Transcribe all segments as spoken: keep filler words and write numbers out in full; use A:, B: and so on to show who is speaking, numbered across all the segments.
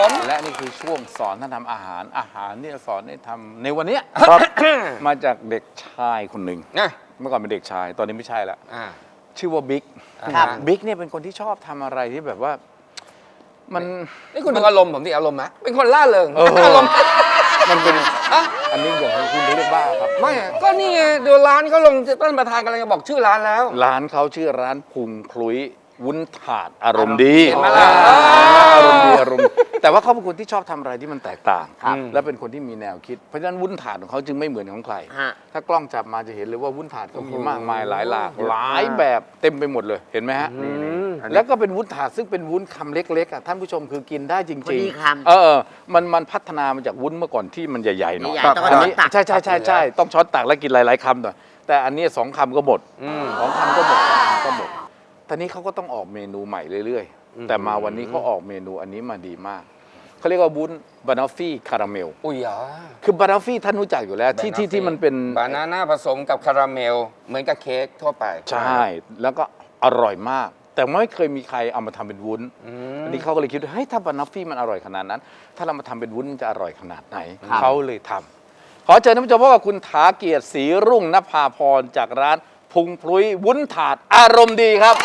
A: และนี่คือช่วงสอนท่านทำอาหารอาหารที่จะสอนให้ทำในวันนี้ มาจากเด็กชายคนหนึ่งเมื่อก่อนเป็นเด็กชายตอนนี้ไม่ใช่แล้วชื่อว่าบิ๊กบิ๊กเนี่ยเป็นคนที่ชอบทำอะไรที่แบบว่ามัน
B: นี่คุณดูอารมณ์ผมดิอารมณ์ไหมเป็นคนล่าเริงอารมณ์
A: มันเป็นอันนี้อย่างคุณเรียกบ้าครับ
B: ไม่ก็นี่ไงดูร้านเขาลงต้นประธานกำลังจะบอกชื่อร้านแล้ว
A: ร้านเขาชื่อร้านพุงคลุยวุ้นถาดอารมณ์ดี
B: เห็นไหมล่ะ
A: อารมณ์ดีอารมณ์แต่ว่าเขาเป็นคนที่ชอบทำอะไรที่มันแตกต่างและเป็นคนที่มีแนวคิดเพราะฉะนั้นวุ้นถาดของเขาจึงไม่เหมือนของใครถ้ากล้องจับมาจะเห็นเลยว่าวุ้นถาดเขามีมากมายหลายหลากหลายแบบเต็มไปหมดเลยเห็นไหมฮะแล้วก็เป็นวุ้นถาดซึ่งเป็นวุ้นคำเล็กๆอ่ะท่านผู้ชมคือกินได้จริงๆเออมันมันพัฒนามาจากวุ้นเมื่อก่อนที่มันใหญ่ๆหน่อยอันนี้ใช่ใช่ใช่ใช่ต้องช้อนตักแล้วกินหลายๆคำหน่อยแต่อันนี้สองคำก็หมดสองคำก็หมดก็หมดตอนนี้เขาก็ต้องออกเมนูใหม่เรื่อยๆแต่มาวันนี้เขาออกเมนูอันนี้มาดีมากเขาเรียกว่าวุ้นบานาฟี่คาราเมล
B: อุ้ยอ่ะ
A: คือบานาฟี่ท่านรู้จักอยู่แล้วที่ที่ที่มันเป็น
B: บานาน่าผสมกับคาราเมลเหมือนกับเค้กทั่วไป
A: ใช่แล้วก็อร่อยมากแต่ไม่เคยมีใครเอามาทำเป็นวุ้นอันนี้เขาก็เลยคิดว่าเฮ้ยถ้าบานาฟี่มันอร่อยขนาดนั้นถ้าเรามาทำเป็นวุ้นมันจะอร่อยขนาดไหนเขาเลยทำขอเชิญท่านผู้ชมพบกับคุณถาเกียรติศรีรุ่งนภาพรจากร้านพุงพลุยวุ้นถาดอารมณ์ดีครับ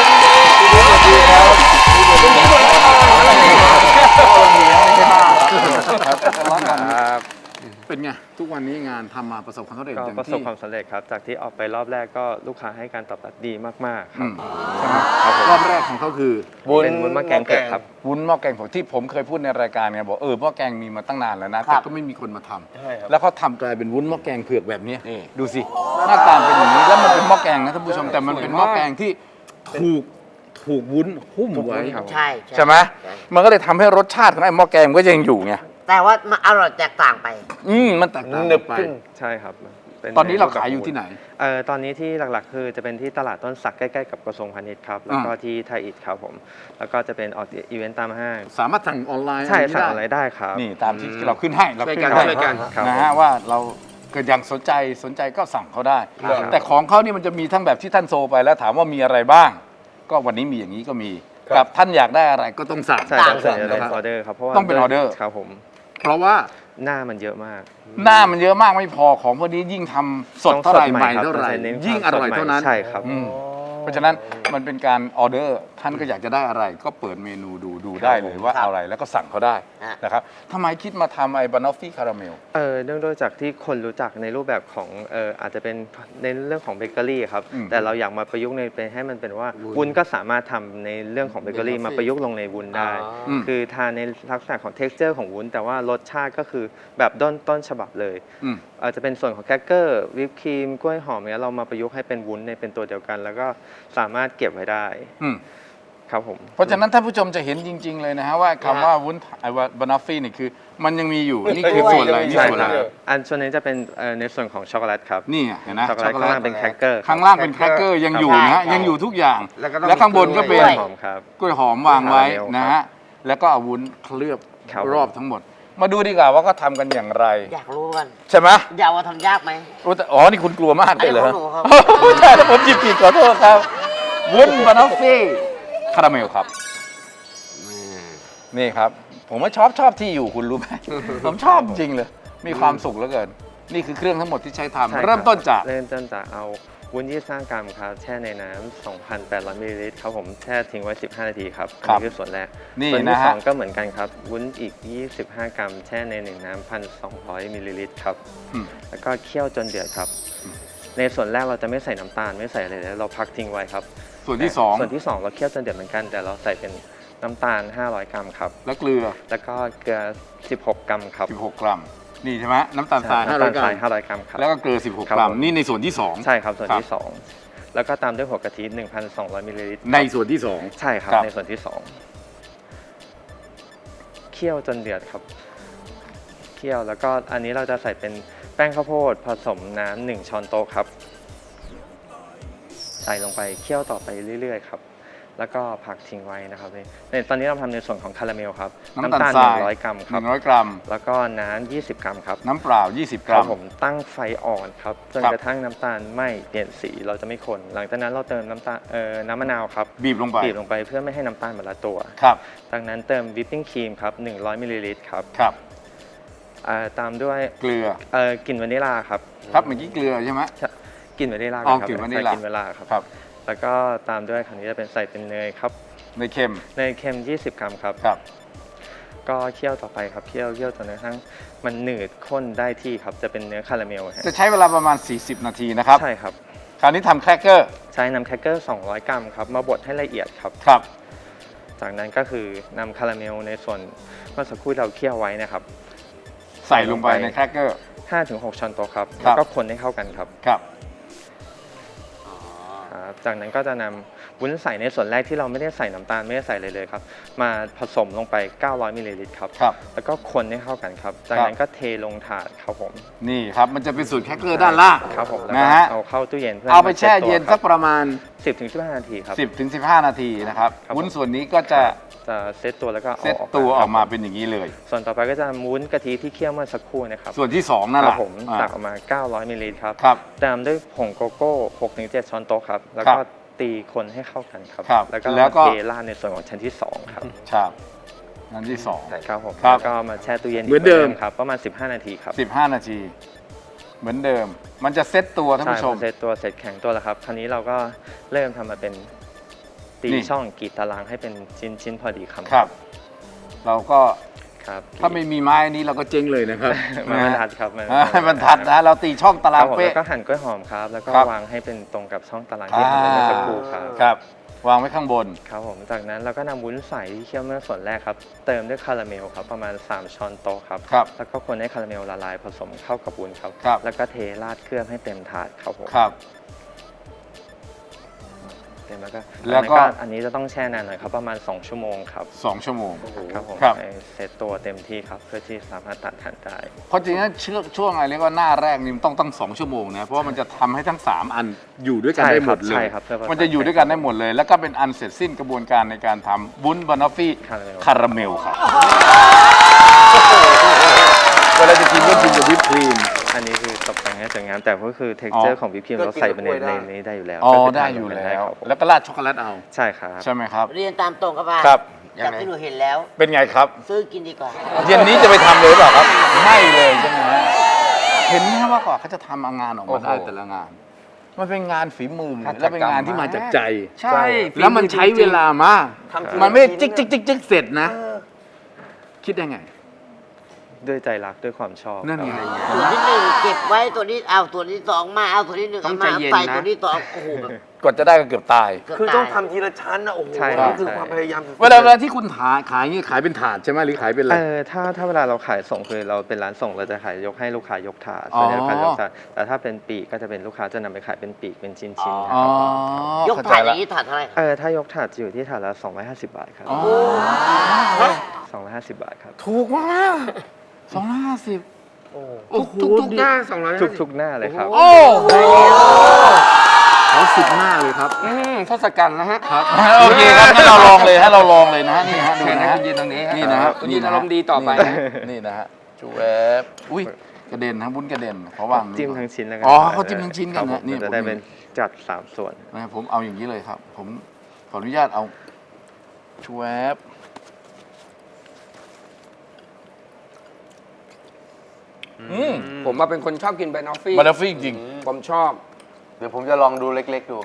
A: เป็นไงทุกวันนี้งานทำมาประสบความสำเร็จ
C: ก็ประสบความสำเร็จครับจากที่ออกไปรอบแรกก็ลูกค้าให้การตอบรับดีมากๆครับ
A: ใช่ไหมรอบแรกของเขาคือ
C: เป็นวุ้นหม้อแกงเผือกครับ
A: วุ้นหม้อแกงผมที่ผมเคยพูดในรายการไงบอกเออหม้อแกงมีมาตั้งนานแล้วนะแต่ก็ไม่มีคนมาทำแล้วเขาทำกลายเป็นวุ้นหม้อแกงเผือกแบบนี้ดูสิหน้าตาเป็นอย่างนี้แล้วมันเป็นหม้อแกงนะท่านผู้ชมแต่มันเป็นหม้อแกงที่ถูกถูกวุ้นหุ้มไว้
D: ใช่
A: ใช่ไหมมันก็เลยทำให้รสชาติของไอ้หม้อแกงก็ยังอยู่ไง
D: แต่ว่ามันอร่อยแตกต่างไป
A: อืมมันแตกต่างไป
C: ใช่ครับ
A: ตอนนี้เราขายอยู่ที่ไหน
C: เอ่อตอนนี้ที่หลักๆคือจะเป็นที่ตลาดต้นสักใกล้ๆกับกระทรวงพาณิชย์ครับแล้วก็ที่ไทยอิฐครับผมแล้วก็จะเป็นออกอีเวนต์ตามห้าง
A: สามารถสั่งออนไลน์
C: ใช่สั่งออนไลน์ได้ครับ
A: นี่ตามที่เราขึ้นให้เราขึ้นให้นะฮะว่าเราเกิดอย่างสนใจสนใจก็สั่งเขาได้แต่ของเขานี่มันจะมีทั้งแบบที่ท่านโซไปแล้วถามว่ามีอะไรบ้างก็วันนี้มีอย่างนี้ก็มีกับท่านอยากได้อะไรก็ต้องสั่ง
C: ใช่ต้องสั่งเป็นออเดอร์ครับเพราะว่า
A: ต้องเป็นออเดอร์
C: ครับผม
A: เพราะว่า
C: หน้ามันเยอะมาก
A: หน้ามันเยอะมากไม่พอของพวกนี้ยิ่งทำสดเท่าไหร่ใหม่เท่าไหร่ยิ่งอร่อยเท่านั้น
C: ใช่ครับ
A: เพราะฉะนั้นมันเป็นการออเดอร์ท่านก็อยากจะได้อะไรก็เปิดเมนูดูดูได้เลยว่าเอาอะไรแล้วก็สั่งเขาได้นะครับทำไมคิดมาทำไอ้บานอฟฟี่คาราเมล
C: เออเนื่องด้วยจากที่คนรู้จักในรูปแบบของเอออาจจะเป็นในเรื่องของเบเกอรี่ครับแต่เราอยากมาประยุกต์ในเป็นให้มันเป็นว่าวุ้นก็สามารถทำในเรื่องของเบเกอรี่มาประยุกต์ลงในวุ้นได้คือทานในลักษณะของ เท็กซ์เจอร์ ของวุ้นแต่ว่ารสชาติก็คือแบบต้นต้นฉบับเลยอาจจะเป็นส่วนของแครกเกอร์วิปครีมกล้วยหอมเนี้ยเรามาประยุกต์ให้เป็นวุ้นในเป็นตัวเดียวกันแล้วก็สามารถเก็บไว้ได้ครับผม
A: เพราะฉะนั้นท่านผู้ชมจะเห็นจริงๆเลยนะฮะว่าคำว่าวุ้นไอ้บานอฟฟี่นี่คือมันยังมีอยู่นี่คือส่วนอะไรนี่ส่วนอะไร
C: อันส่วนนี้จะเป็นในส่วนของช็อกโกแลตครับ
A: นี่เห็นไหม
C: ช็อกโกแลตข้างล่างเป็นแครกเกอร์
A: ข้างล่างเป็นแครกเกอร์ยังอยู่นะยังอยู่ทุกอย่างแล้วข้างบนก็เป็นกล้วยหอมวางไว้นะฮะแล้วก็เอาวุ้นเคลือบรอบทั้งหมดมาดูดีกว่าว่าเขาทำกันอย่างไร
D: อยากรู้กัน
A: ใช่ไหม
D: อยากว่าทำยากไหม
A: อ๋อนี่คุณกลัวมากเลยเหรอใช่แล้วผมจิบผิดขอโทษครับวุ้นบานอฟฟี่คาราเมลครับนี่ครับผมว่าชอบชอบที่อยู่คุณรู้ไหมผมชอบจริงเลยมีความสุขเหลือเกินนี่คือเครื่องทั้งหมดที่ใช้ทำเริ่มต้นจาก
C: เริ่มต้นจากเอาวุ้นยี่สิบห้ากรัมครับแช่ในน้ำ สองพันแปดร้อย มิลลิลิตรครับผมแช่ทิ้งไว้สิบห้านาทีครับอันนี้คือส่วนแรกส่วนที่สองก็เหมือนกันครับวุ้นอีกยี่สิบห้ากรัมแช่ในหนึ่งน้ำ หนึ่งพันสองร้อย มิลลิลิตรครับแล้วก็เคี่ยวจนเดือดครับในส่วนแรกเราจะไม่ใส่น้ำตาลไม่ใส่อะไรเลยเราพักทิ้งไว้ครับ
A: ส่วนที่สอง
C: ส่วนที่สองเราเคี่ยวจนเดือดเหมือนกันแต่เราใส่เป็นน้ำตาลห้าร้อยกรัมครับ
A: แล้วเกลือ
C: แล้วก็เกลือสิบหกกรัมครับ
A: สิบหกกรัมนี่ใช่ไหมน้ำตาลทรายห้าร้อยก
C: รัมครับ
A: แล้วก็เกลือสิบหกกรัมนี่ในส่วนที่สอง
C: ใช่ครับส่วนที่สองแล้วก็ตามด้วยหัวกะทิ หนึ่งพันสองร้อย มิลลิลิตร
A: ในส่วนที่สอง
C: ใช่ครับในส่วนที่สองเคี่ยวจนเดือดครับเคี่ยวแล้วก็อันนี้เราจะใส่เป็นแป้งข้าวโพดผสมน้ำหนึ่งช้อนโต๊ะครับใส่ลงไปเคี่ยวต่อไปเรื่อยๆครับแล้วก็พักทิ้งไว้นะครับนี่ในตอนนี้เราทำในส่วนของคาราเมลครับ
A: น้ำตาล
C: ห
A: ทราย
C: นึ่งร้อยกรัมค
A: ห
C: รับ
A: นึ่งร้อยกรัม
C: แล้วก็น้ำยี่สิบกรัมครับ
A: น้ำเปล่า ยี่สิบ ก
C: ค
A: รั
C: รับ
A: ม
C: ผมตั้งไฟอ่อนครับจน
A: ครับ
C: กระทั่งน้ำตาลไหม้เปลี่ยนสีเราจะไม่คน หลังจากนั้นเราเติมน้ำตาลเอ่อน้ำมะนาวครับ
A: บีบลงไป
C: บีบลงไปเพื่อไม่ให้น้ำตาลมันละตัว
A: ครับ
C: จากนั้นเติมวิปปิ้งครีมครับหนึ่งร้อยมิลลิลิตรครับ
A: ครับ
C: อ่าตามด้วย
A: เกลือ
C: เอ่อกลิ่นวานิลลาครับ
A: ครับเมื่อกี้เกลือใช่ไหม
C: กลิ่นวานิลลา
A: อ๋อ
C: ครับ
A: กลิ่นวานิล
C: ใส่
A: ลา
C: กลิ่นวานิลลาครับ
A: ครับ
C: แล้วก็ตามด้วยคราวนี้จะเป็นใส่เป็นเนยครับ
A: ในเค็ม
C: เนยเค็มยี่สิบกรัมครับ
A: ครับ
C: ก็เคี่ยวต่อไปครับเคี่ยวเคี่ยวจนกระทั่งมันหนืดข้นได้ที่ครับจะเป็นเนื้อคาราเมลฮะ
A: จะใช้เวลาประมาณ สี่สิบ นาทีนะครับ
C: ใช่ครับ
A: คราวนี้ทำแครกเกอร์
C: ใช้น้ำแครกเกอร์สองร้อยกรัมครับมาบดให้ละเอียดครับ
A: ครับ
C: จากนั้นก็คือนำคาราเมลในส่วนเมื่อสักครู่เราเคี่ยวไว้นะครับ
A: ใส่ลงไปในแครกเกอร์
C: ห้าถึงหก ช้อนโต๊ะครับ
A: ครั
C: แล้ว
A: บ
C: ก็คนให้เข้ากันครับ
A: ครับ
C: ครับจากนั้นก็จะนำวุ้นใส่ในส่วนแรกที่เราไม่ได้ใส่น้ำตาลไม่ได้ใส่เลยเลยครับมาผสมลงไปเก้าร้อยมิลลิลิตรครับ
A: ครับ
C: แล้วก็คนให้เข้ากันครับ จากนั้นก็เทลงถาดครับผม
A: นี่ครับ มันจะเป็นสูตรแครกเกอร์ด้านล่าง
C: ครับผมแล้ว
A: นะ
C: ก็
A: ฮะ
C: เอาเข้าตู้เย็นเพื่อ
A: เอาไปแช่เย็นสักประมาณ
C: สิบถึงสิบห้านาทีครับ
A: สิบถึงสิบห้า นาทีนะครับ
C: ครับ
A: วุ้นส่วนนี้ก็จะ
C: จะเซตตัวแล้วก็อา
A: เซตตัวออกมา
C: ครับ
A: เป็นอย่างนี้เลย
C: ส่วนต่อไปก็จะวุ้นกะทิที่เคี่ยวเมื่อสักครู่นะครับ
A: ส่วนที่สองนั่น
C: ค
A: แห
C: รั
A: ละ
C: บผม
A: อ่า
C: ตักออกมาเก้าร้อยมิลลิลิตรครับ
A: ครับ
C: ตามด้วยผงโกโก้ หกถึงเจ็ด ช้อนโต๊ะครับ แล้ว
A: ครั
C: ก็
A: บ
C: ตีคนให้เข้ากันครับ
A: ครับ
C: แล้วก็
A: แล้วก็
C: เทราดในส่วนของชั้นที่สองครับ
A: ครับอันที่สอง
C: ครับผม
A: ครับ
C: แล้วก็มาแช่ตู้เย็น
A: เหมือนเดิม
C: ครับ ประมาณ สิบห้า นาทีครับ
A: สิบห้า นาที เหมือนเดิม มันจะเซตตัวท่าน
C: ใช่
A: ผู้ชม
C: พอเซตตัวเสร็จแข็งตัวแล้วครับ คราวนี้เราก็เริ่มทำมาเป็นตี
A: นี่
C: ช่องกรีดตารางให้เป็นชิ้นชิ้นพอดีคำ
A: ครับ เราก็
C: ครับ
A: ถ้าไม่มีไม้นี้เราก็เจ๊งเลยนะครับ
C: มันบรรทัดครับ
A: อ่าบรรทัดนะเราตีช่องตา
C: ค
A: รา
C: รั
A: ง
C: บผม
A: เป๊ะ
C: แล้วก็หั่นกล้วยหอมครับ แล้วก็
A: ครับ
C: วางให้เป็นตรงกับช่องตารางที่หั่นไว้เมื่อสักครู่ครับ
A: ครับ วางไว้ข้างบน
C: ครับผม จากนั้นเราก็นำวุ้นใสที่เคี่ยวเมื่อส่วนแรกครับ เติมด้วยคาราเมลครับประมาณ สาม ช้อนโต๊ะครับ
A: ครับ
C: แล้วก็คนให้คาราเมลละลายผสมเข้ากับวุ้นครับ
A: ครับ
C: แล้วก็เทราดเคลือบให้เต็มถาดครับผม
A: ครับ
C: เต็มแล้วก็
A: แล้วก็
C: อันนี้จะต้องแช่นานหน่อยครับประมาณ สอง ชั่วโมงครับ
A: สองชั่วโมง
C: ครับผม
A: ครับ
C: ให้เซตตัวเต็มที่ครับเพื่อที่สามารถตัดทานได้
A: เพราะจริงๆแล้วช่วงช่วงอะไรเรียกว่าหน้าแรกนี่มันต้องตั้งสองชั่วโมงนะ เพราะว่ามันจะทำให้ทั้งสามอันอยู่ด้วยกันได้หมดเล
C: ใช่
A: ย
C: ครับใช่ครับ
A: มันจะอยู่ด้วยกันได้หมดเลย แล้วก็เป็นอันเสร็จสิ้นกระบวนการในการทำวุ้นบานอฟฟี่
C: คาราเมล
A: คาราเมลครับเวลาจะกินก็กินกับวิปครีม
C: อันนี้คือตกแต่งให้สวยงามแต่ก็คือเท็ก
A: อ๋
C: เจอ
A: อ
C: ร์ของวิปครีมเราใส่ไปในในนี้ได้อยู่แล้ว
A: อ๋อ
C: ก็คื
A: ได้
C: ทาน
A: อยู่
C: กัน
A: แล้ว
C: ครับผม
A: แล้วก็ราดช็อกโกแลตเอา
C: ใช่ครับ
A: ใช่ไหมครับ
D: เรียนตามตรงครับว่า
A: ครับ
D: จากที่หนูเห็นแล้ว
A: เป็นไงครับ
D: ซื้อกินดีกว่า
A: เย็นนี้จะไปทำเลยหรือเปล่าครับ ไม่เลยใช่ไหมฮะเห็นไหมว่ากว่าเขาจะทำงานออกมาได้
B: โอ้โห
A: แต่ละงาน มันเป็นงานฝีมือ
B: หัตถกรรม
A: และเป็นงานที่มาจากใจ
B: ใช่
A: แล้วมันใช้เวลามาก
B: ทำทีละ
A: มันไม่ได้
B: ชิ้
A: จิ๊
B: น
A: กจิ๊กจิ๊กจิ๊กเสร็จนะ คิดได้ไง
C: ด้วยใจรักด้วยความชอบ
A: นั่นไง
C: ครับ
D: ตัวที่หนึ่งเก็บไว้ตัวนี้เอาตัวที่สองมาเอาตัวที่หนึ่ง
B: ต้อ
D: เอา
B: งใจ
D: มา
B: เย็น
D: ใส่
B: นะ
D: ตัวที่สองโอ้โหแบบ
A: กว่าจะได้ก็เกือบตาย
D: เกือบ
B: คือ
D: ตาย
B: ต้องทำทีละชั้นนะโอ้โห
C: ใช่
B: นี่คือ
C: ใช่
B: ความพยายามสุดๆ
A: เวลาเวลาที่คุณขายขายอย่างนี้ขายเป็นถาดใช่ไหมหรือขายเป็นอะไร
C: เออถ้าถ้าเวลาเราขายส่งคือเราเป็นร้านส่งเราจะขายยกให้ลูกค้ายกถาด
A: อ๋อ
C: ส่วนใหญ่ลูกค้ายกถาดแต่ถ้าเป็นปีกก็จะเป็นลูกค้าจะนำไปขายเป็นปีกเป็นชิ้นๆนะ
A: อ๋อ
C: ครับ
D: ยก
A: เข้าใจ
D: ถาดอ
A: ละ
D: ย่างนี้ถาดเท่าไหร่ครับ
C: เออถ้ายกถาดจะอยู่ที่ถาดละสองร้อยห้าสิบบาทครับ
A: อ๋อ
C: สองร้อยห้าสิบบาทครับ
A: ถูกมากสองร้อยห้าสิบโอ้โห
B: ทุกทุกๆหน้าสองร้อย
C: ทุกทุกหน้าเลยครับ
A: โอ้โหเขาสิบหน้าเลยครับ
B: อืมทศกัณฐ์นะฮะ
A: ครับ โอเคครับให้เราลองเลยให้เราลองเลยนะฮะนี่ฮะดู
B: เชิญ
A: นะ
B: ให้
A: ฮะ
B: คุณยืนตรงนี้
A: นี่นะฮะ
B: คุณยืนอารมณ์ดีต่อไปนะ
A: นี่นะฮะจูแวบอุ้ยกระเด็นนะวุ้นกระเด็นเขาวาง
C: จิ้มทั้งชิ้นแล้วกั
A: อ๋อเขาจิ้มทั้งชิ้นกัน
C: ครับ
A: นะ
C: ผม
A: นี่
C: มันจะได้เป็นจัดสามส่วน
A: นะครับผมเอาอย่างนี้เลยครับ ผมขออนุญาตเอาชวบ อืม
B: ผมมาเป็นคนชอบกินแบนอฟฟี่
A: บานาฟี่จริง
B: ผมชอบ
E: เดี๋ยวผมจะลองดูเล็กๆดู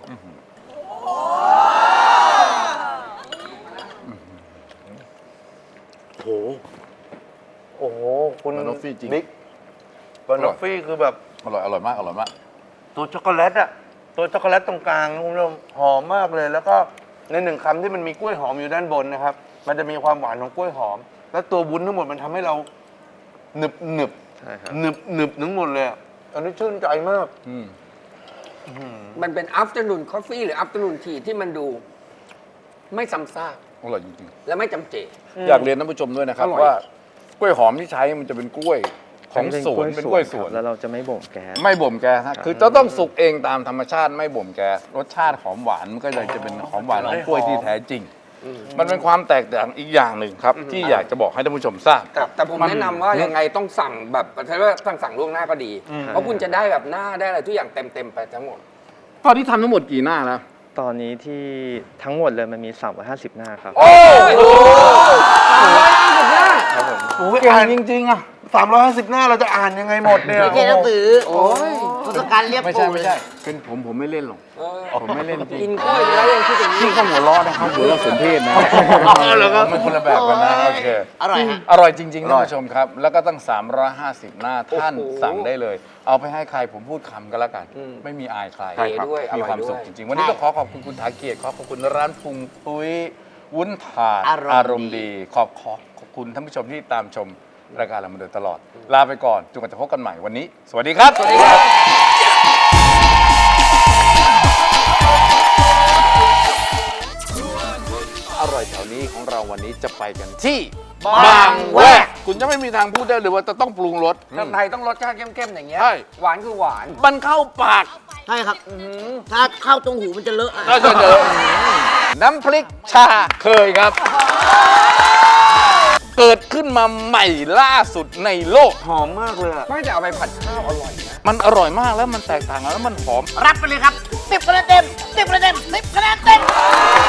A: โห
E: โอ้โห คุณ
A: บานอฟฟี่จริง
E: บิ๊กบานอฟฟี่คือแบบ
A: อร่อยอร่อยมากอร่อยมาก
E: ตัวช็อกโกแลตอะตัวช็อกโกแลตตรงกลางคุณผู้ชมหอมมากเลย แล้วก็ในหนึ่งคำที่มันมีกล้วยหอมอยู่ด้านบนนะครับ มันจะมีความหวานของกล้วยหอม แล้วตัววุ้นทั้งหมดมันทำให้เราหนึบหนึบ
C: ใช่ครับ
E: หนึบหนึบทั้งหมดเลยอะอันนี้ชื่นใจมาก
A: อืม
B: มันเป็น afternoon coffee หรือ afternoon tea ที่มันดูไม่ซ้ำซาก
A: อร่อยจริง
B: และไม่จำเจ
A: ๆ อยากเรียนท่านผู้ชมด้วยนะครับ
B: อร่อย
A: ว่ากล้วยหอมที่ใช้มันจะเป็นกล้วยของสวนเป็นกล้วยสวน
C: ครับแล้วเราจะไม่บ่มแก๊ส
A: ไม่บ่มแก๊สฮะคือจะต้องสุกเองตามธรรมชาติไม่บ่มแก๊สรสชาติหอมหวานมันก็เลยจะเป็นหอมหวานของกล้วยที่แท้จริง มันเป็นความแตกต่างอีกอย่างหนึ่งครับ ที่อยากจะบอกให้ท่านผู้ชมทราบ
B: แต่แต่ผมแนะนำว่ายังไงต้องสั่งแบบใช้ว่าสั่งสั่งล่วงหน้าก็ดี เพราะคุณจะได้แบบหน้าได้อะไรทุกอย่างเต็มเต็มๆไปทั้งหมด
A: ตอนนี้ทำทั้งหมดกี่หน้าแล้ว
C: ตอนนี้ที่ทั้งหมดเลยมันมีสามร้อยห้าสิบหน้าครับ
B: โอ้โหสามร้อยห้าสิบหน้า
C: ครับผม
E: โอ้ย
A: เก่
E: อ่าน
A: งจริงๆอ่ะ
E: สามร้อยห้าสิบหน้าเราจะอ่านยังไงหมดเนี่ย
D: ไม่ใช่หนังสือ
B: โอ้ย
D: ทศกัณฐ์เรียบ
A: ไม่
D: ปู
A: ใช่
D: เล
A: ไม่
D: ย
A: ใช่เป็นผมผมไม่เล่นหรอก
B: เออ
A: ผมไม่เล่นจริง
B: กินกล้วยไปแล้วยังคิดอย่างนี้
A: นี่ก็หัวล้อนะครับหัวเราะสมเพศนะมันคนละแบบกันนะโอเค
D: อร่อยฮะ
A: อร่อยจริงๆท่านผู้ชมครับ แล้วก็ตั้ง สามร้อยห้าสิบ หน้าท่านสั่งได้เลย เอาไปให้ใครผมพูดคำก็แล้วกัน ไม่มีอายใคร
B: ใช่ครับ
A: มีความสุขจริงๆ วันนี้ก็ขอขอบคุณคุณถาเกียรติขอขอบคุณร้านพุงปุ้ยวุ้นถาด
D: อารมณ์
A: อารมณ์ดี ขอบขอขอบคุณท่านผู้ชมที่ตามชมรายการเรามาโดยตลอด ลาไปก่อนจนกว่าจะพบกันใหม่วันนี้ สวัสดีครับ สวัสดีครับ อร่อยแถวนี้ของเราวันนี้จะไปกันที่
D: บางแวก
A: คุณจะไม่มีทางพูดได้เลยว่าจะต้องปรุงรส
B: ถ้าไทยต้องรสชาติเข้มๆอย่างเงี้ย
A: ใช่
B: หวานคือหวาน
A: มันเข้าปาก
D: ใช่ครับถ้าเข้าตรงหูมันจะเลอะอะ
A: ก็จะเจอน้ำพริกชาเคยครับ เกิดขึ้นมาใหม่ล่าสุดในโลก
E: หอมมากเลยอะ
B: ไม่แต่เอาไปผัดข้าวอร่อยนะ
A: มันอร่อยมากแล้วมันแตกต่างแล้วมันหอม
D: รับไปเลยครับสิบคะแนนเต็มสิบคะแนนเต็มสิบคะแนนเต็ม